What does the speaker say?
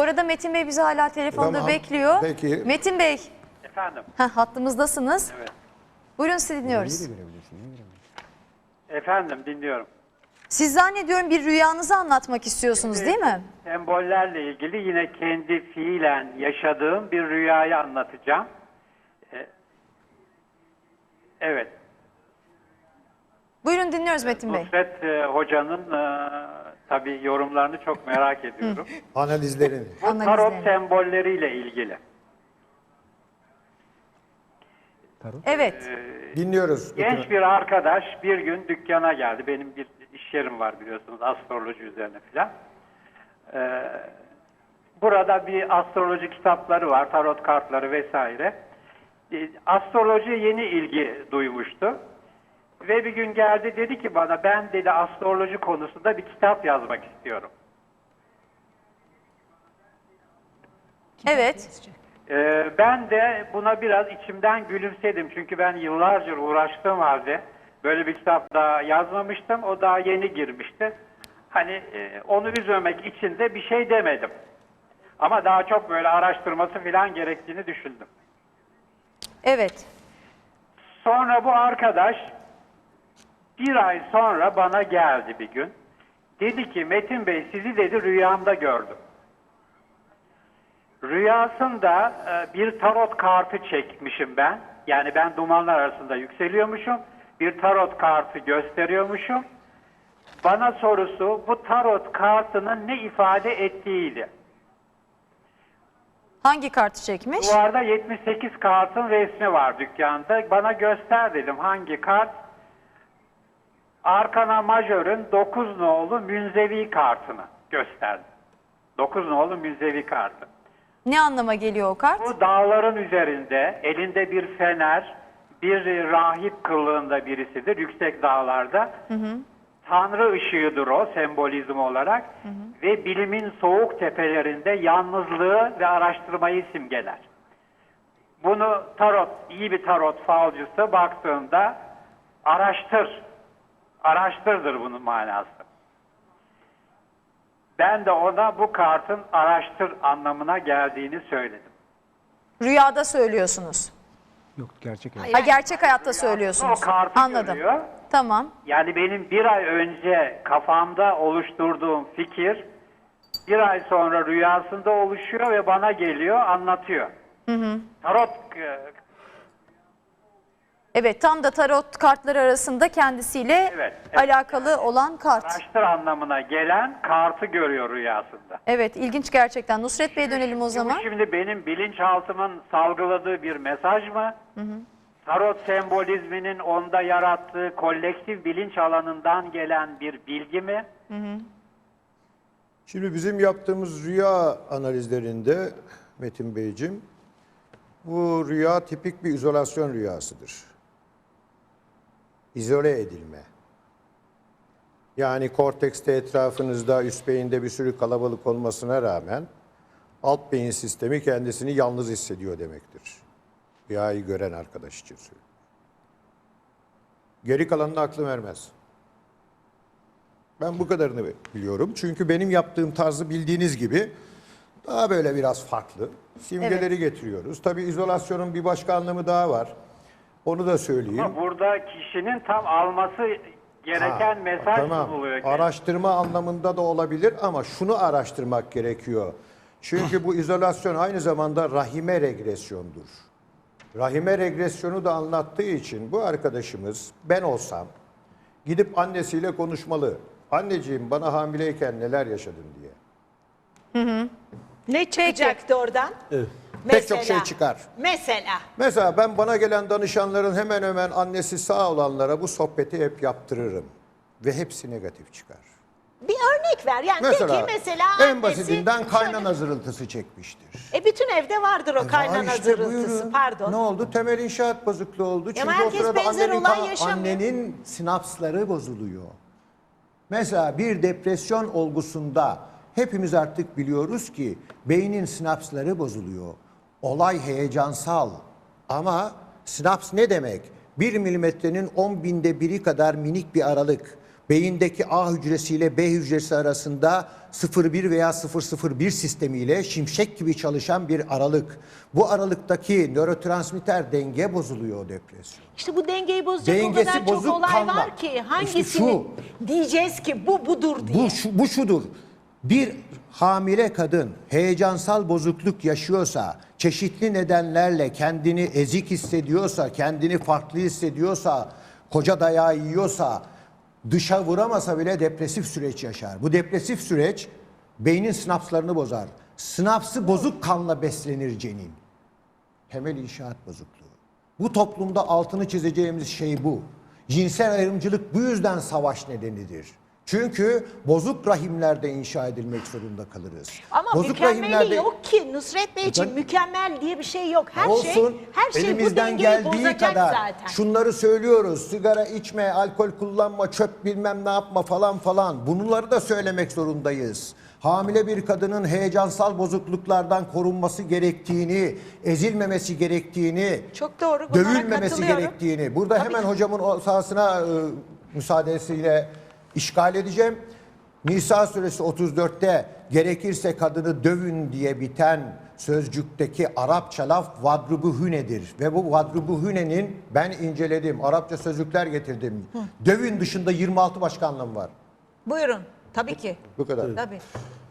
arada Metin Bey bizi hala telefonda Tamam, bekliyor. peki. Metin Bey, Efendim. hattımızdasınız. Evet. Buyurun, sizi dinliyoruz. Efendim dinliyorum. Siz zannediyorum bir rüyanızı anlatmak istiyorsunuz değil mi? Sembollerle ilgili yine kendi fiilen yaşadığım bir rüyayı anlatacağım. Evet. Buyurun, dinliyoruz Metin Bey. Nusret Hoca'nın tabii yorumlarını çok merak ediyorum. Analizlerini. Bu tarot Analizlerini. sembolleriyle ilgili. Evet. Dinliyoruz. Genç bir arkadaş bir gün dükkana geldi. Benim bir iş yerim var biliyorsunuz, astroloji üzerine filan. Burada bir astroloji kitapları var, tarot kartları vesaire. Astrolojiye yeni ilgi duymuştu. Ve bir gün geldi, dedi ki bana, ben dedi astroloji konusunda bir kitap yazmak istiyorum. Evet. Ben de buna biraz içimden gülümsedim. Çünkü ben yıllarca uğraştığım halde böyle bir kitap daha yazmamıştım. O daha yeni girmişti. Hani onu üzmemek için de bir şey demedim. Ama daha çok böyle araştırması falan gerektiğini düşündüm. Evet. Sonra bu arkadaş bir ay sonra bana geldi bir gün. Dedi ki Metin Bey, sizi dedi rüyamda gördüm. Rüyasında bir tarot kartı çekmişim ben. Yani ben dumanlar arasında yükseliyormuşum. Bir tarot kartı gösteriyormuşum. Bana sorusu bu tarot kartının ne ifade ettiğiydi. Hangi kartı çekmiş? Duvarda 78 kartın resmi var dükkanda. Bana göster dedim hangi kart? Arkana Majör'ün 9 nolu münzevi kartını gösterdi. 9 nolu münzevi kartı. Ne anlama geliyor o kart? Bu dağların üzerinde elinde bir fener, bir rahip kılığında birisidir yüksek dağlarda. Tanrı ışığıdır o sembolizm olarak ve bilimin soğuk tepelerinde yalnızlığı ve araştırmayı simgeler. Bunu tarot, iyi bir tarot falcısı baktığında araştırdır bunun manası. Ben de ona bu kartın araştır anlamına geldiğini söyledim. Rüyada söylüyorsunuz. Yok, gerçek hayat. Ha, gerçek hayatta söylüyorsunuz. O kartı Anladım. görüyor. Tamam. Yani benim bir ay önce kafamda oluşturduğum fikir bir ay sonra rüyasında oluşuyor ve bana geliyor, anlatıyor. Tarot Evet, tam da tarot kartları arasında kendisiyle Evet. alakalı olan kart. araştır anlamına gelen kartı görüyor rüyasında. Evet, ilginç gerçekten. Nusret Bey'e dönelim o zaman. Bu şimdi benim bilinçaltımın salgıladığı bir mesaj mı? Tarot sembolizminin onda yarattığı kolektif bilinç alanından gelen bir bilgi mi? Şimdi bizim yaptığımız rüya analizlerinde Metin Beyciğim, bu rüya tipik bir izolasyon rüyasıdır. İzole edilme. Yani kortekste etrafınızda, üst beyinde bir sürü kalabalık olmasına rağmen alt beyin sistemi kendisini yalnız hissediyor demektir. Rüyayı gören arkadaş için söylüyorum. Geri kalanını aklım ermez. Ben bu kadarını biliyorum. Çünkü benim yaptığım tarzı bildiğiniz gibi daha böyle biraz farklı. Simgeleri getiriyoruz. Tabii izolasyonun bir başka anlamı daha var. Onu da söyleyeyim. Ama burada kişinin tam alması gereken mesaj Tamam. sunuluyor. Araştırma anlamında da olabilir ama şunu araştırmak gerekiyor. Çünkü bu izolasyon aynı zamanda rahime regresyondur. Rahime regresyonu da anlattığı için bu arkadaşımız, ben olsam gidip annesiyle konuşmalı. Anneciğim, bana hamileyken neler yaşadın diye. Ne çıkacaktı oradan? Pek çok şey çıkar. Mesela ben bana gelen danışanların hemen hemen annesi sağ olanlara bu sohbeti hep yaptırırım. Ve hepsi negatif çıkar. Bir örnek ver. Yani Mesela, peki mesela en annesi basitinden kaynana şöyle- zırıltısı çekmiştir. bütün evde vardır o kaynana işte zırıltısı. buyurun. Pardon. Ne oldu? Temel inşaat bozukluğu oldu. Çünkü o herkes sırada benzer olay yaşamıyor. annenin sinapsları bozuluyor. Mesela bir depresyon olgusunda hepimiz artık biliyoruz ki beynin sinapsları bozuluyor. Olay heyecansal ama sinaps ne demek? 1 milimetrenin 10.000'de biri kadar minik bir aralık. beyindeki A hücresi ile B hücresi arasında 0,1 veya 0,01 sistemiyle şimşek gibi çalışan bir aralık. Bu aralıktaki nörotransmitter denge bozuluyor o depresyon. İşte bu dengeyi bozacak Dengesi o kadar bozuk çok olay kanla. var ki İşte hangisini diyeceğiz ki bu budur diye. Bu şudur. Bir hamile kadın heyecansal bozukluk yaşıyorsa, çeşitli nedenlerle kendini ezik hissediyorsa, kendini farklı hissediyorsa, koca dayağı yiyorsa, dışa vuramasa bile depresif süreç yaşar. Bu depresif süreç beynin sinapslarını bozar. Sinapsı bozuk kanla beslenir cenin. Temel inşaat bozukluğu. Bu toplumda altını çizeceğimiz şey bu. Cinsel ayrımcılık bu yüzden savaş nedenidir. Çünkü bozuk rahimlerde inşa edilmek zorunda kalırız. Ama bozuk mükemmeli yok ki Nusret Bey için Efendim? mükemmel diye bir şey yok. Her Olsun, şey bu elimizden dengeyi geldiği bozacak kadar zaten. şunları söylüyoruz. Sigara içme, alkol kullanma, çöp bilmem ne yapma falan falan. Bunları da söylemek zorundayız. Hamile bir kadının heyecansal bozukluklardan korunması gerektiğini, ezilmemesi gerektiğini, Çok doğru, bunlara dövülmemesi katılıyorum. gerektiğini. Burada Tabii hemen ki. hocamın o sahasına müsaadesiyle işgal edeceğim. Nisa suresi 34'te gerekirse kadını dövün diye biten sözcükteki Arapça laf vadrubuhünedir. Ve bu vadrubuhünenin ben inceledim. Arapça sözcükler getirdim. Dövün dışında 26 başka anlamı var. Buyurun. Tabii ki. Bu kadar. Tabii.